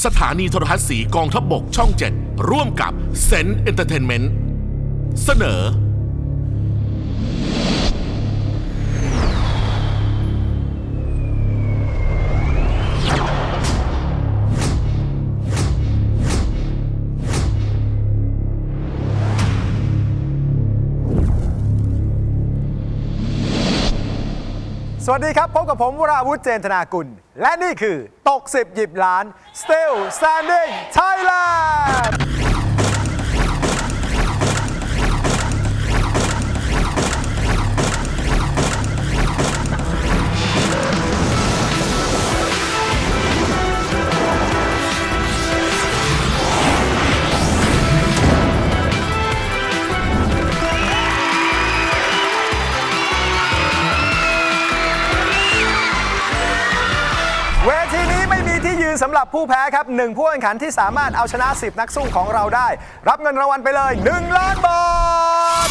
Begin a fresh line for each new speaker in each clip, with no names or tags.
สถานีโทรทัศน์สีกองทัพบกช่อง 7 ร่วมกับเซนต์เอนเตอร์เทนเมนต์เสนอ
สวัสดีครับพบกับผมวราวุธเจนธนากุลและนี่คือตก10หยิบล้าน Still Standing Thailandเวทีนี้ไม่มีที่ยืนสำหรับผู้แพ้ครับ1ผู้แข่งขันที่สามารถเอาชนะ10นักสู้ของเราได้รับเงินรางวัลไปเลย1 ล้านบาท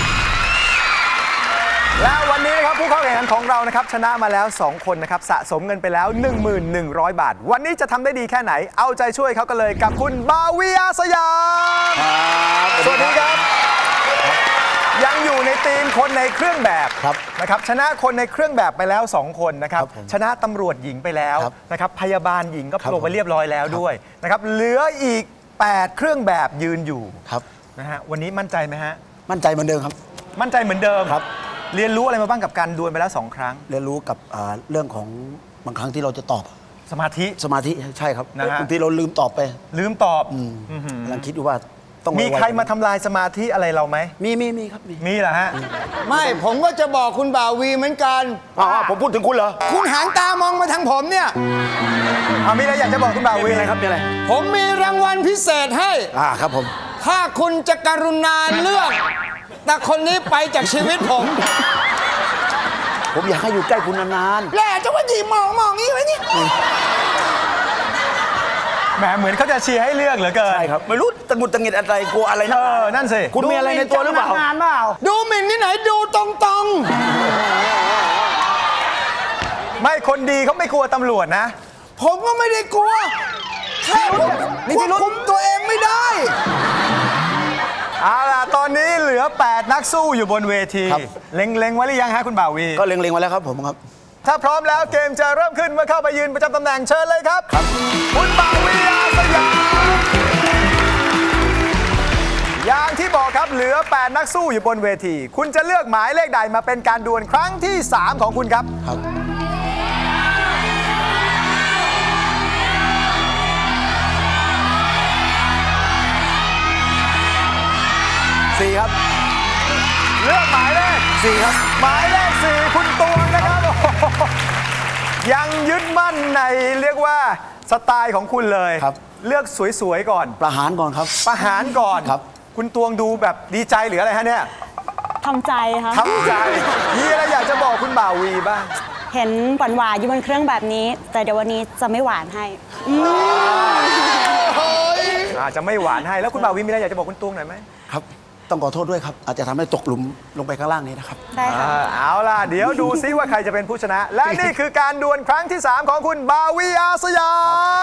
และวันนี้นะครับผู้เข้าแข่งขันของเรานะครับชนะมาแล้ว2คนนะครับสะสมเงินไปแล้ว 1,100 บาทวันนี้จะทำได้ดีแค่ไหนเอาใจช่วยเขากันเลยกับคุณบาวีอาสยามสวัสดีครับยังอยู่ในทีมคนในเครื่องแบบนะครับชนะคนในเครื่องแบบไปแล้ว2คนนะครับชนะตำรวจหญิงไปแล้วนะครับพยาบาลหญิงก็ลงไปเรียบร้อยแล้วด้วยนะครับเหลืออีก8เครื่องแบบยืนอยู่นะฮะวันนี้มั่นใจไหมฮะ
มั่นใจเหมือนเดิมครับ
มั่นใจเหมือนเดิมครับเรียนรู้อะไรมาบ้างกับการดวลไปแล้ว2ครั้ง
เรียนรู้กับเรื่องของบางครั้งที่เราจะตอบ
สมาธิ
ใช่ครับบางที
นะฮะ
เราลืมตอบไป
ก
ำลังคิดว่าต้อง
มีใครมาทำลายสมาธิอะไรเราไหม
มีครับ
มีเหรอฮะ
ไม่ผมก็จะบอกคุณบ่าววีเหมือนกัน
ผมพูดถึงคุณเหรอ
คุณหางตามองมาทางผมเนี่ย
มีอะไรอยากจะบอกคุณบ่าววี
มีอะไรครับมีอะไร
ผมมีรางวัลพิเศษให้
ครับผม
ถ้าคุณจะกรุณาเลือกแต่คนนี้ไปจากชีวิต
ผมอยากให้อยู่ใกล้คุณนาน
ๆแหละจะว่าดีมองงี้ไว้นี่
แหมเหมือนเขาจะเชียร์ให้เลือกเหลือเกิน
ใช่ครับไม่รู้ตะกุดตะงิดอะไรกลัวอะไร
นั่นสิ
คุณมีอะไรในตัวหรือเปล่า
ดูหมิ่นที่ไหนดูตรง
ไม่คนดีเขาไม่กลัวตำรวจนะ
ผมก็ไม่ได้กลัวแค่ผมควบคุมตัวเองไม่ได้
เอาล่ะตอนนี้เหลือ8นักสู้อยู่บนเวทีเล็งไว้หรือยังฮะคุณบ่าววี
ก็เล็งไว้แล้วครับผมครับ
ถ้าพร้อมแล้วเกมจะเริ่มขึ้นเมื่อเข้าไปยืนประจำตำแหน่งเชิญเลยครับคุณบ่าววีอาสยามอย่างที่บอกครับเหลือ8นักสู้อยู่บนเวทีคุณจะเลือกหมายเลขใดมาเป็นการดวลครั้งที่3ของคุณครับ
4ครับ
เลือกหมายเลข
4ครับ
หมายเลข4คุณตวงนะครับยังยึดมั่นในเรียกว่าสไตล์ของคุณเลยเลือกสวยๆก่อน
ประหารก่อนครับ
ประหารก่อน
ครับ
คุณตวงดูแบบดีใจหรืออะไรฮะเนี่ย
ทำใจค่ะ
ทำใจมีอะไรอยากจะบอกคุณบ่าววีบ้าง
เห็นหวานอยู่บนเครื่องแบบนี้แต่เดี๋ยววันนี้จะไม่หวานให้
จะไม่หวานให้แล้วคุณบ่าววีมีอะไรอยากจะบอกคุณตวงหน่อยไหม
ครับต้องขอโทษด้วยครับอาจจะทำให้ตกหลุมลงไปข้างล่างนี้นะครับ
ได้ค่ะ
เอาล่ะเดี๋ยวดูซิว่าใครจะเป็นผู้ชนะและนี่คือการดวลครั้งที่3ของคุณบ่าววีอาสยาม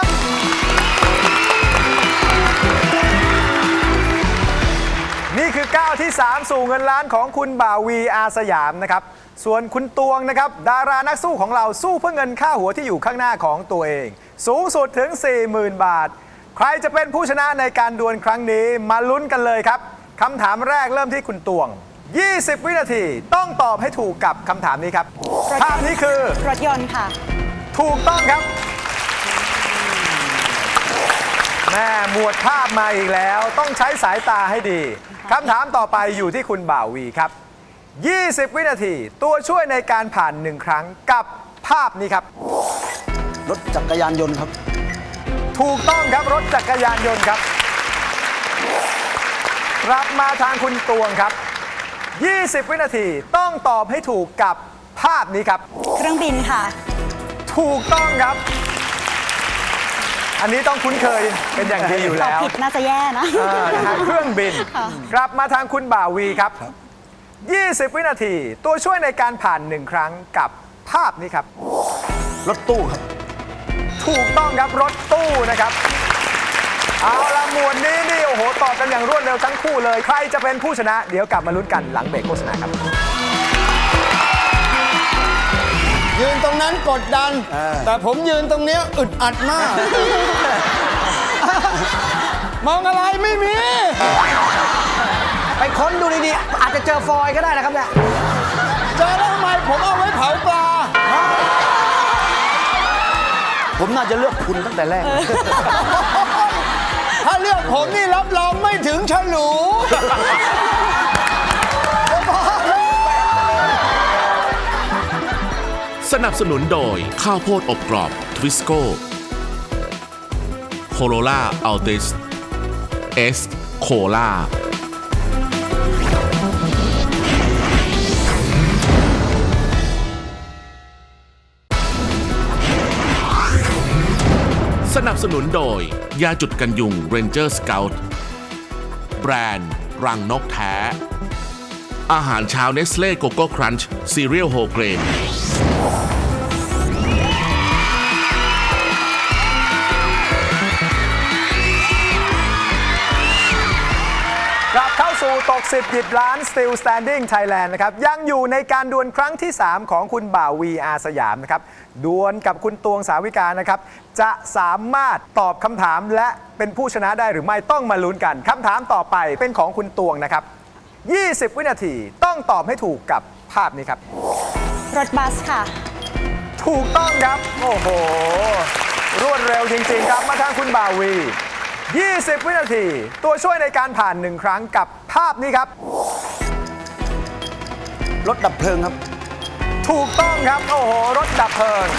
นี่คือก้าวที่3สู่เงินล้านของคุณบ่าววีอาสยามนะครับส่วนคุณตวงนะครับดารานักสู้ของเราสู้เพื่อเงินค่าหัวที่อยู่ข้างหน้าของตัวเองสูงสุดถึง 40,000 บาทใครจะเป็นผู้ชนะในการดวลครั้งนี้มาลุ้นกันเลยครับคำถามแรกเริ่มที่คุณตวง20 วินาทีต้องตอบให้ถูกกับคำถามนี้ครับภาพนี้คือ
รถยนต์ค่ะ
ถูกต้องครับแม่หมวดภาพมาอีกแล้วต้องใช้สายตาให้ดีคำถามต่อไปอยู่ที่คุณบ่าววีครับ20 วินาทีตัวช่วยในการผ่าน1ครั้งกับภาพนี้ครับ
รถจักรยานยนต์ครับ
ถูกต้องครับรถจักรยานยนต์ครับกลับมาทางคุณตวงครับ20 วินาทีต้องตอบให้ถูกกับภาพนี้ครับ
เครื่องบินค่ะ
ถูกต้องครับอันนี้ต้องคุ้นเคยเป็นอย่างดีอยู่แล้ว
ตอบผิดน่าจะแย่นะ
เครื่องบินกลับมาทางคุณบ่าววีครับ20 วินาทีตัวช่วยในการผ่าน1ครั้งกับภาพนี้ครับ
รถตู้ครับ
ถูกต้องครับรถตู้นะครับเอาละหมวดนี้นี่โอ้โหตอบกันอย่างรวดเร็วทั้งคู่เลย ใครจะเป็นผู้ชนะ เดี๋ยวกลับมาลุ้นกันหลังเบรกโฆษณาครับ
ยืนตรงนั้นกดดัน แต่ผมยืนตรงเนี้ยอึดอัดมาก มองอะไรไม่มี
ไปค้นดูดีๆ อาจจะเจอฟอยล์ก็ได้นะครับเนี่ย
เจอแล้วทำไมผมเอาไว้เผาปลา
ผมน่าจะเลือกคุณตั้งแต่แรก
ถ้าเลือกผมนี่รับรองไม่ถึงฉลู
สนับสนุนโดยข้าวโพดอบกรอบทวิสโก้โคโรล่าอัลติสเอสโคล่าสนับสนุนโดยยาจุดกันยุง Ranger Scout แบรนด์รังนกแท้ อาหารเช้าเนสเล่โกโก้ครันช์ซีเรียลโฮเกรน
กลับเข้าสู่ตก10หยิบล้าน Still Standing Thailand นะครับยังอยู่ในการดวลครั้งที่ 3 ของคุณบ่าววีอาสยามนะครับดวลกับคุณตวงสาวิกานะครับจะสามารถตอบคำถามและเป็นผู้ชนะได้หรือไม่ต้องมาลุ้นกันคำถามต่อไปเป็นของคุณตวงนะครับ20 วินาทีต้องตอบให้ถูกกับภาพนี้ครับ
รถบัสค่ะ
ถูกต้องครับโอ้โหรวดเร็วจริงๆครับมาทางคุณบ่าววี20 วินาทีตัวช่วยในการผ่าน1ครั้งกับภาพนี้ครับ
รถดับเพลิงครับ
ถูกต้องครับโอ้โหรถดับเพลิง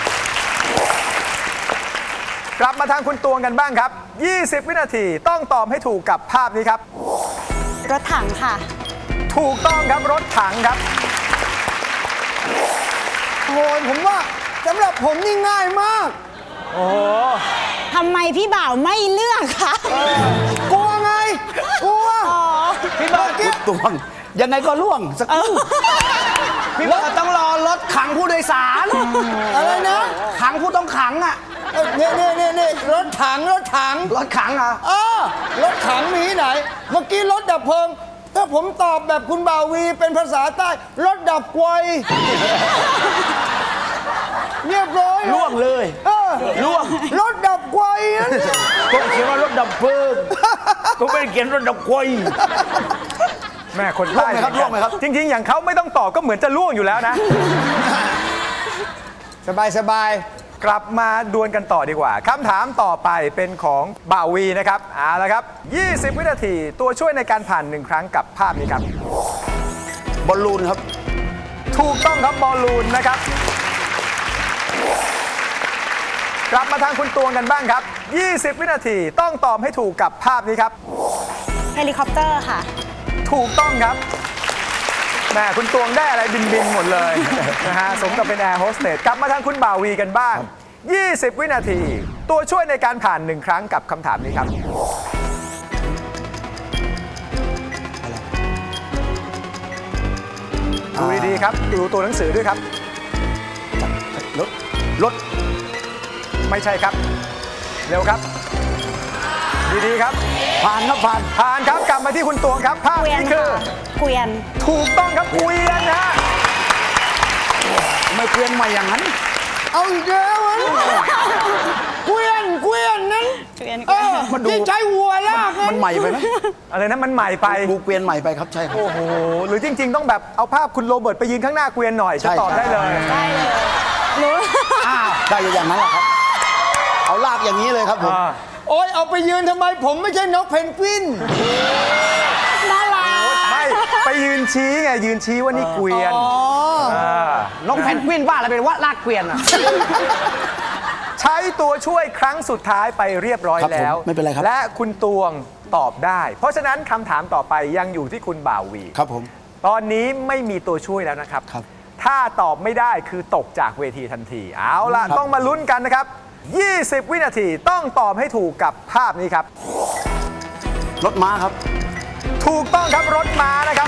กลับมาทางคุณตวงกันบ้างครับ20 วินาทีต้องตอบให้ถูกกับภาพนี้ครับ
รถถังค่ะ
ถูกต้องครับรถถังครับ
โอ้ยผมว่าสำหรับผมนี่ง่ายมาก
โอ้โห
ทำไมพี่บ่าวไม่เลือกคะ
กลัวไง กลัว
พี่เบิร์ด
ตวง ยังไงก็ล่วงสักครู่
พี่เบิร์ดต้องรอรถขังผู้โดยสาร
อะไรนะ
ขังผู้ต้องขังอ่ะ
เนี่ยรถถัง
รถขังอ่ะ
รถถังมีที่ไหน เมื่อกี้รถดับเพลิง ถ้าผมตอบแบบคุณบ่าววีเป็นภาษาใต้ รถดับไฟเรียบร้อย
ล่วงเลย
ล่วงรถดับไฟนั่นน่ะ
ผมเขียนว่ารถดับเพลิงผมไม่ได้เขียนรถดับไฟ
แม่คนใต้
ล่วงไหมครับ
จริงๆ อย่างเขาไม่ต้องตอบก็เหมือนจะล่วงอยู่แล้วนะ
สบาย
กลับมาดวลกันต่อดีกว่าคำถามต่อไปเป็นของบ่าววีนะครับเอาละครับ20 วินาทีตัวช่วยในการผ่าน1ครั้งกับภาพนี้ครับ
บอลลูนครับ
ถูกต้องครับบอลลูนนะครับ กลับมาทางคุณตวงกันบ้างครับ20 วินาทีต้องตอบให้ถูกกับภาพนี้ครับ
เฮลิคอปเตอร์ค่ะ
ถูกต้องครับแม่คุณตวงได้อะไรบินหมดเลย นะฮะสมกับเป็นแอร์โฮสเตสกลับมาทางคุณบ่าววีกันบ้าง 20 วินาที ตัวช่วยในการผ่าน1ครั้งกับคำถามนี้ครับดูดีๆครับดูตัวหนังสือด้วยครับ
รถ
ไม่ใช่ครับ เร็วครับ ดีๆครับ
ผ่านครับผ่าน
ผ่านครับกลับมาที่คุณตวงครับภาพ
เกวียน
นี้คือ
ค่ะเกวียน
ถูกต้องครับเกวียนนะฮะ
ไม่เปลี่ยนใหม่อย่างนั้น
ๆ เอาอีกแล้วอะเกวียนนั้น
เกวียน
มันดู
ที่ใช้วัวลากนั้น
มันใหม่ไปไหม
อะไรนะมันใหม่ไป
ดูเปลี่ยนใหม่ไปครับใช่ครับ
โอ้โห หรือจริง ๆ ต้องแบบเอาภาพคุณโรเบิร์ตไปยืนข้างหน้าเกวียนหน่อย
ใช่
จะตอบได้เลย
ได้เลยรู้
ได้อย่างนั้นแหละครับ เอาลากอย่างนี้เลยครับผม
โอ้ยเอาไปยืนทำไมผมไม่ใช่นกเพนกวิน
น่ารัก
ไม่ไปยืนชี้ไงยืนชี้ว่านี่เกวียนา
น้องแพนกวินว่าอะไรเป็นว่าลากเกวียนอ่ะ
ใช้ตัวช่วยครั้งสุดท้ายไปเรียบร้อย
ครับผม
แล้ว
ไม่เป็นไรครับ
และคุณตวงตอบได้ เพราะฉะนั้นคำถามต่อไปยังอยู่ที่คุณบ่าววี
ครับผม
ตอนนี้ไม่มีตัวช่วยแล้วนะครับ
ครับ
ถ้าตอบไม่ได้คือตกจากเวทีทันที เอาล่ะ
ครับ
ต้องมาลุ้นกันนะครับ 20 วินาทีต้องตอบให้ถูกกับภาพนี้ครับ
รถม้าครับ
ถูกต้องครับรถม้านะครับ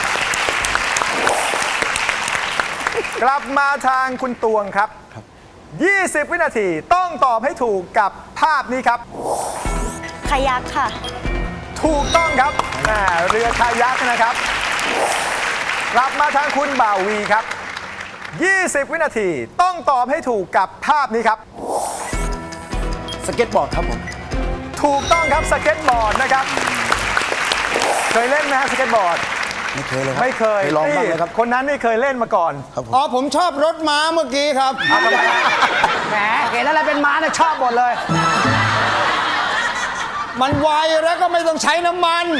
กลับมาทางคุณตวงครับ 20 วินาทีต้องตอบให้ถูกกับภาพนี้ครับ
คายักค่ะ
ถูกต้องครับเรือคายักนะครับกลับมาทางคุณบ่าววีครับ 20 วินาทีต้องตอบให้ถูกกับภาพนี้ครับ
สเก็ตบอร์ดครับผม
ถูกต้องครับสเก็ตบอร์ดนะครับ เคยเล่นไหมฮะสเก็ตบอร์ด
ไม่เคยเลยครับ
ไม่เคย
ลองบ้างเลยครับ
คนนั้นนี่เคยเล่นมาก่อน
ครับผม
อ๋อผมชอบรถม้าเมื่อกี้ครับ
แหมเห็นอะไรเป็นม้าเนี่ยชอบหมดเลย
มันไวแล้วก็ไม่ต้องใช้น้ำมัน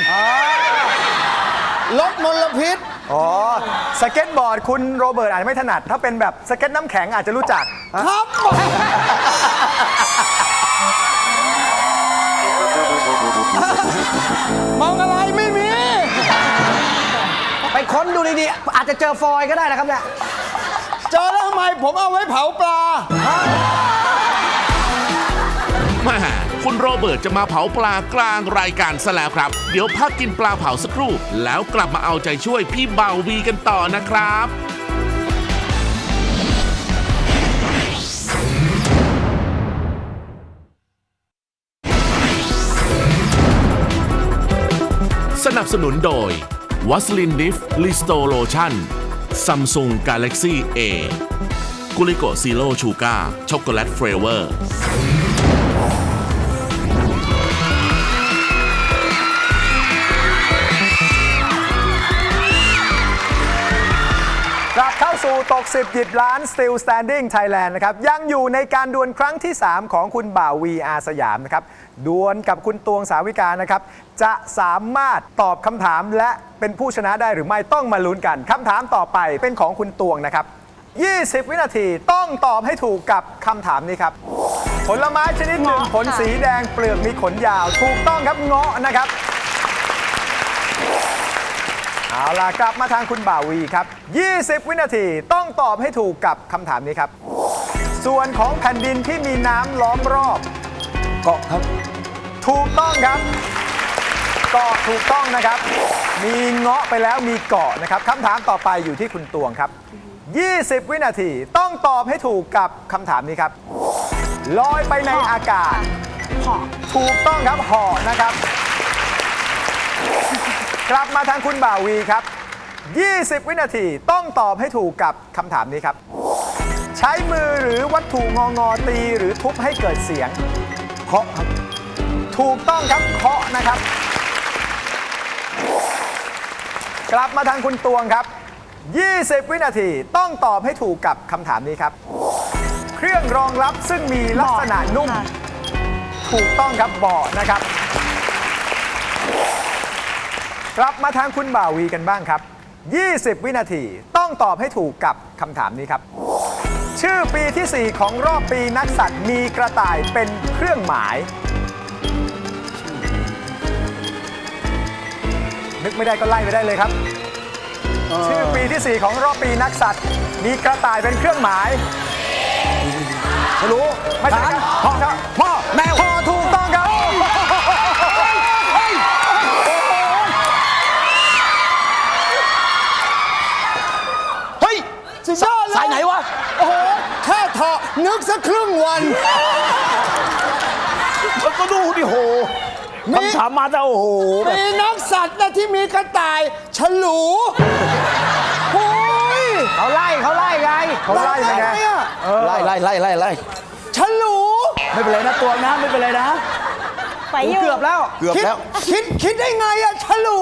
ลดมลพิษ
อ๋อสเก็ตบอร์ดคุณโรเบิร์ตอาจจะไม่ถนัด ถ้าเป็นแบบสเก็ตน้ำแข็งอาจจะรู้จัก
ครับมองอะไรไม่มี
ไปค้นดูดีๆ อาจจะเจอฟอยล์ก็ได้นะครับเนี่ย
เจอแล้วทำไมผมเอาไว้เผาปลา
แม่คุณโรเบิร์ตจะมาเผาปลากลางรายการซะแล้วครับ เดี๋ยวพักกินปลาเผาสักครู่ แล้วกลับมาเอาใจช่วยพี่บ่าววีกันต่อนะครับ สนับสนุนโดยวัสลินดิฟลิสโตโลชั่นซัมซุงกาแล็กซี่เอกุลิโกซีโร่ชูการ์ช็อกโกแลตเฟรเวอร์
กลับเข้าสู่ตก 10 หยิบล้าน Still Standing Thailand นะครับยังอยู่ในการดวลครั้งที่ 3 ของคุณบ่าววีอาสยามนะครับดวลกับคุณตวงสาวิกานะครับจะสามารถตอบคำถามและเป็นผู้ชนะได้หรือไม่ต้องมาลุ้นกันคำถามต่อไปเป็นของคุณตวงนะครับ 20 วินาทีต้องตอบให้ถูกกับคำถามนี้ครับผลไม้ชนิดหนึ่ง
เงาะ
ผลสีแดงเปลือกมีขนยาวถูกต้องครับเงาะนะครับเอาล่ะกลับมาทางคุณบ่าวีครับ 20 วินาทีต้องตอบให้ถูกกับคำถามนี้ครับ ส่วนของแผ่นดินที่มีน้ำล้อมรอบ
เกาะครับ
ถูกต้องครับเกาะถูกต้องนะครับ มีเงาะไปแล้วมีเกาะนะครับคำถามต่อไปอยู่ที่คุณตวงครับ 20 วินาทีต้องตอบให้ถูกกับคำถามนี้ครับ ลอยไปในอากาศ
หอ
ถูกต้องครับห่อนะครับ กลับมาทางคุณบ่าวีครับ 20 วินาทีต้องตอบให้ถูกกับคำถามนี้ครับ ใช้มือหรือวัตถุงองอตีหรือทุบให้เกิดเสียง
เคาะครับ
ถูกต้องครับเคาะนะครับ กลับมาทางคุณตวงครับ 20 วินาทีต้องตอบให้ถูกกับคำถามนี้ครับ เครื่องรองรับซึ่งมีลักษณะนุ่ม
ค่ะ
ถูกต้องครับเบาะนะครับ กลับมาทางคุณบ่าวีกันบ้างครับ 20 วินาทีต้องตอบให้ถูกกับคำถามนี้ครับ ชื่อปีที่ 4 ของรอบปีนักสัตว์มีกระต่ายเป็นเครื่องหมาย นึกไม่ได้ก็ไล่ไปได้เลยครับ ชื่อปีที่ 4 ของรอบปีนักสัตว์ มีกระต่ายเป็นเครื่องหมายไม่รู้ไม่ใช่ครับพ่อแมวพ่อถูกต้องครับ
เฮ้ย
สุดยอดเลย
สายไหนวะ
โอ้โหแค่เถาะนึกสักครึ่งวัน
ก็ดูดิโหคำถามมาแต่โอ้โหแบบ
มีนักสัตว์นะที่มีกระต่ายฉลูโอ้ย
เขาไล่ไง
เขาไล่ยังไง
เนี่ย
ไล่
ฉลู
ไม่เป็นไรนะตัวนะไม่เป็นไรนะ
ไปอยู่
เกือบแล้ว
เกือบ
คิด
แล้ว
คิดได้ไงอะฉลู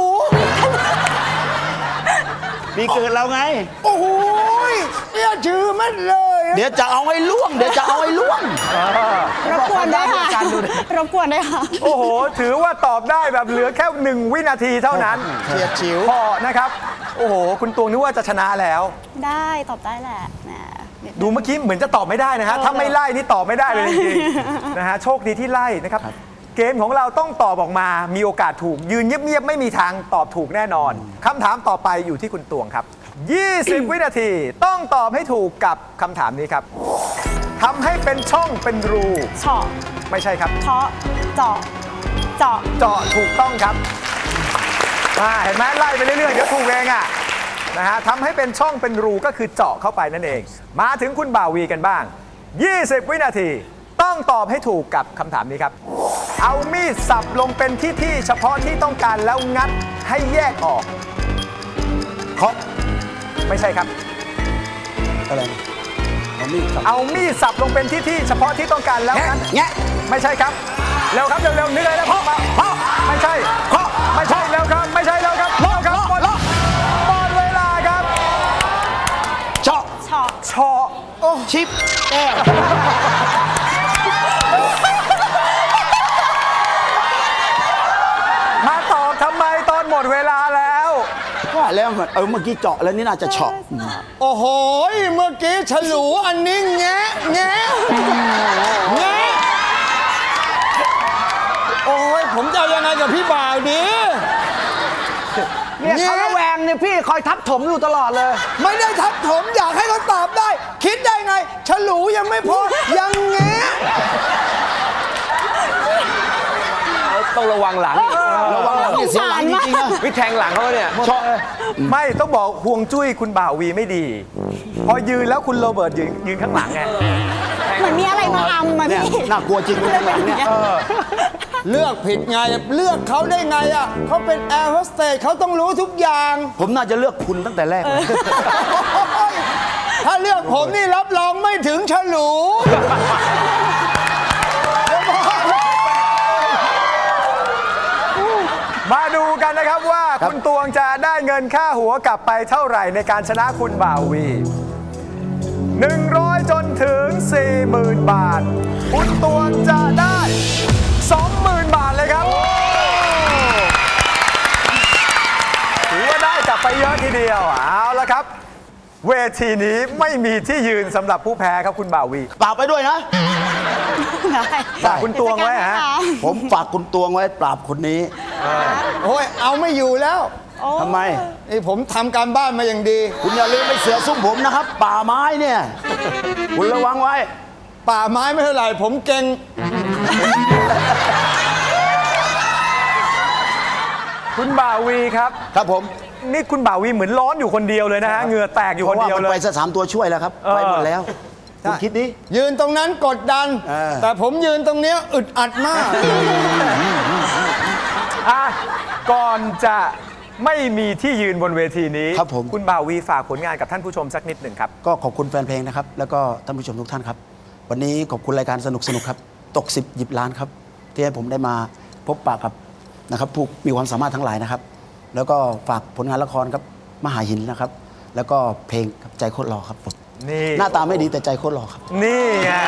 ปีเกิดเราไง
โอ้โหเนี่ยชื่อมันเลยอะ
เดี๋ยวจะเอาให้ล่วง
รบกวนด้วยค่ะรบกวนด้วยค่ะ
โอ้โห ถือว่าตอบได้แบบเหลือแค่ 1 วินาทีเท่านั้น
เฉียดฉิว
พอนะครับ โอ้โห คุณตวงนึกว่าจะชนะแล้ว
ได้ตอบได้แหละแหม
ดูเมื่อกี้เหมือนจะตอบไม่ได้นะฮะ ถ้าไม่ไล่นี่ตอบไม่ได้เลยจริงๆนะฮะ โชคดีที่ไล่นะครับ เกมของเราต้องตอบออกมา มีโอกาสถูก ยืนเงียบๆไม่มีทางตอบถูกแน่นอนคำถามต่อไปอยู่ที่คุณตวงครับ 20 วินาทีต้องตอบให้ถูกกับคำถามนี้ครับทำให้เป็นช่องเป็นรู
เฉาะ
ไม่ใช่ครับ
เทาะเจาะเจาะ
เจาะถูกต้องครับเห็นไหมไล่ไปเรื่อยๆเดี๋ยวถูกเองอ่ะนะฮะทำให้เป็นช่องเป็นรูก็คือเจาะเข้าไปนั่นเอง มาถึงคุณบ่าวีกันบ้าง 20 วินาทีต้องตอบให้ถูกกับคำถามนี้ครับเอามีดสับลงเป็นที่เฉพาะที่ต้องการแล้วงัดให้แยกออก
เคาะ
ไม่ใช่ครับ
อะไรนะเอามีดครับ
เอามีดสับลงเป็นที่เฉพาะที่ต้องการแล้วงัด
แงะ
ไม่ใช่ครับเร็วครับเร็วๆนึกเลยนะพ่อไม่ใช่
เคาะ
ไม่ใช่เร็วครับไม่ใช่เร็วครับเร็วครับหมดเวลาครับ
เจาะ
เฉาะ
เฉาะ
ชิปแก้ว
มาตอบทำไมตอนหมดเวลาแล้ว
ว่าแล้วเมื่อกี้เจาะแล้วนี่น่าจะเฉาะ
โอ้โห เมื่อกี้ฉลูอันนี้แงะแงะแงะโอ้ยผมจะเอายังไงกับพี่บ่าวดี
เนี่ยเขาระแวงเนี่ยพี่คอยทับถมอยู่ตลอดเลย
ไม่ได้ทับถมอยากให้เขาตอบได้ คิดได้ไงฉลูยังไม่พอ ยังแงะ
ต้องระวังหลัง
ระวังหลังนี่เสียหลังจริงๆนะ
วิแทงหลังเขาเนี่ย
เฉาะ
ไม่ต้องบอกห่วงจุ้ยคุณบ่าววีไม่ดี พอยืนแล้วคุณโรเบิร์ตยืนข้างหลังไง
เหมือนมีอะไรมาอำมา
เนี่ย
พี่
น่ากลัวจริงเลยแบบเนี่ย
เลือกผิดไงเลือกเขาได้ไงอ่ะเขาเป็นแอร์โฮสเตสเขาต้องรู้ทุกอย่าง
ผมน่าจะเลือกคุณตั้งแต่แรกเลย
ถ้าเลือกผมนี่รับรองไม่ถึงฉลู
มาดูกันนะครับว่าคุณตวงจะได้เงินค่าหัวกลับไปเท่าไหร่ในการชนะคุณบ่าววี 100 จนถึง 40,000 บาท คุณตวงจะได้ 20,000 บาทเลยครับถือว่าได้กลับไปเยอะทีเดียวเอาละครับ เวทีนี้ไม่มีที่ยืนสำหรับผู้แพ้ครับคุณบ่าววี
ปราบไปด้วยนะ
ฝากคุณตวงไว้ฮะ
ผมฝากคุณตวงไว้ปราบคนนี้
โอ้ยเอาไม่อยู่แล้ว
ทำไม
นี่ผมทำการบ้านมาอย่างดี
คุณอย่าลืมไปเสือซุ่มผมนะครับ ป่าไม้เนี่ย คุณระวังไว้
ป่าไม้ไม่เท่าไหร่ผมเก่ง
คุณบ่าววีครับ
ครับผม
นี่คุณบ่าววีเหมือนร้อนอยู่คนเดียวเลยนะฮะเหงื่อแตกอยู่
เพ
คน
ราะว่า
เดียว
มัน
เล
ไป
ย
ซะ3 ตัวช่วยแล้วครับ ไปหมดแล้ว คุณคิดดิ
ยืนตรงนั้นกดดัน
เออ
แต่ผมยืนตรงเนี้ยอึดอัดมาก
อ่ะก่อนจะไม่มีที่ยืนบนเวทีนี้
ครับผม
คุณบ่าววีฝากผลงานกับท่านผู้ชมสักนิดหนึ่งครับ
ก็ขอบคุณแฟนเพลงนะครับ แล้วก็ท่านผู้ชมทุกท่านครับ วันนี้ขอบคุณรายการสนุกครับ ตก 10 หยิบล้านครับ ที่ให้ผมได้มาพบปะกับนะครับผู้มีความสามารถทั้งหลายนะครับ แล้วก็ฝากผลงานละครครับมหาหินนะครับ แล้วก็เพลงครับใจโคตรหล่อครับผม
นี่
หน้าตาไม่ดีแต่ใจโคตรหล่อครับ
นี่ไง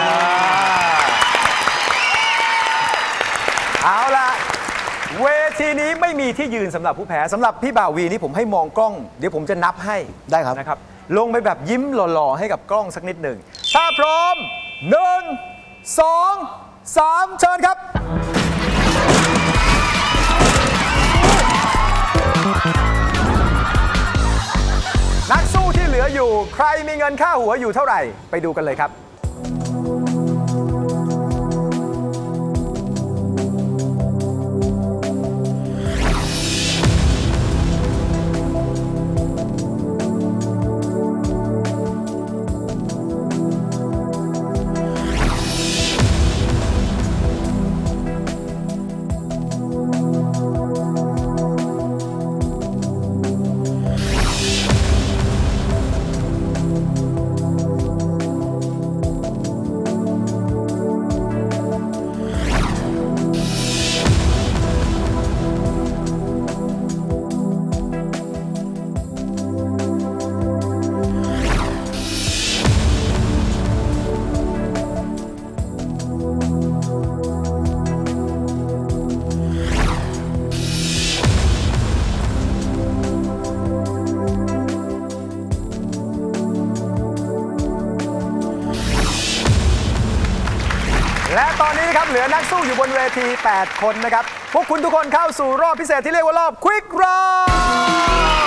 เอาล่ะ เวทีนี้ไม่มีที่ยืนสำหรับผู้แพ้สำหรับพี่บ่าววีนี่ผมให้มองกล้อง เดี๋ยวผมจะนับให้
ได้ครับ
นะครับ ลงไปแบบยิ้มหล่อๆให้กับกล้องสักนิดหนึ่งถ้าพร้อม 1 2 3 เชิญครับ นักสู้ที่เหลืออยู่ใครมีเงินค่าหัวอยู่เท่าไหร่ ไปดูกันเลยครับ และตอนนี้นะครับเหลือนักสู้อยู่บนเวที 8 คนนะครับ พวกคุณทุกคนเข้าสู่รอบพิเศษที่เรียกว่ารอบ Quick Round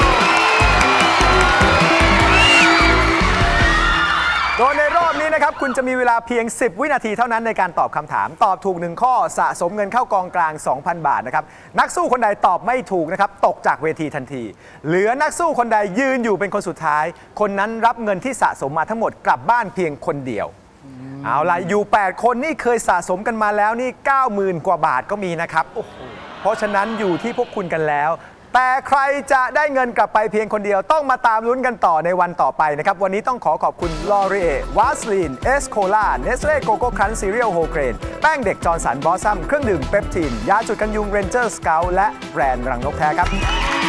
โดยในรอบนี้นะครับคุณจะมีเวลาเพียง 10 วินาทีเท่านั้นในการตอบคำถาม ตอบถูก 1 ข้อสะสมเงินเข้ากองกลาง 2,000 บาทนะครับ นักสู้คนใดตอบไม่ถูกนะครับตกจากเวทีทันที เหลือนักสู้คนใดยืนอยู่เป็นคนสุดท้าย คนนั้นรับเงินที่สะสมมาทั้งหมดกลับบ้านเพียงคนเดียวเอาล่ะ อยู่ 8 คนนี่เคยสะสมกันมาแล้วนี่ 90,000 กว่าบาทก็มีนะครับโอ้โหเพราะฉะนั้นอยู่ที่พวกคุณกันแล้ว แต่ใครจะได้เงินกลับไปเพียงคนเดียวต้องมาตามลุ้นกันต่อในวันต่อไปนะครับ วันนี้ต้องขอคุณลอรีเอวาสลีนเอสโคลาเนสเล่โกโก้ครันซีเรียลโฮเกรนแป้งเด็กจอร์สันบอสซัมเครื่องดื่มเปปทีนยาจุดกันยุงเรนเจอร์สเกลและแบรนด์รังนกแท้ครับ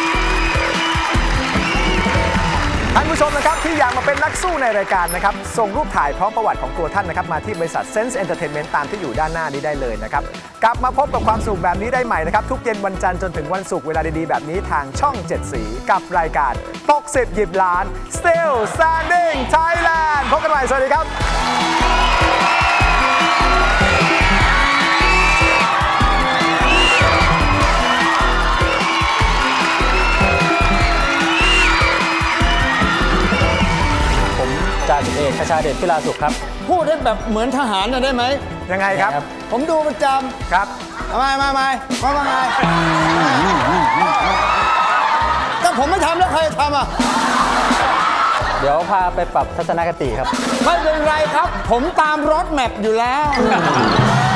ท่านผู้ชมนะครับที่อยากมาเป็นนักสู้ในรายการนะครับส่งรูปถ่ายพร้อมประวัติของตัวท่านนะครับมาที่บริษัท Sense Entertainment ตามที่อยู่ด้านหน้านี้ได้เลยนะครับกลับมาพบกับความสนุกแบบนี้ได้ใหม่นะครับทุกเย็นวันจันทร์จนถึงวันศุกร์เวลาดีๆแบบนี้ทางช่อง 7 สีกับรายการตก10หยิบล้าน Still Standing Thailand พบกันใหม่สวัสดีครับ
จ่าสิบเอกคชาเดชพิลาสุขครับ
พูดให้แบบเหมือนทหารหน่อยได้ไหม
ยังไงครับ
ผมดูประจ
ครับ
ำไม่ถ้าผมไม่ทำแล้วใครจะทำอ่ะ
เดี๋ยวพาไปปรับทัศนคติครับ
ไม่เป็นไรครับ ผมตามรถแมพอยู่แล้ว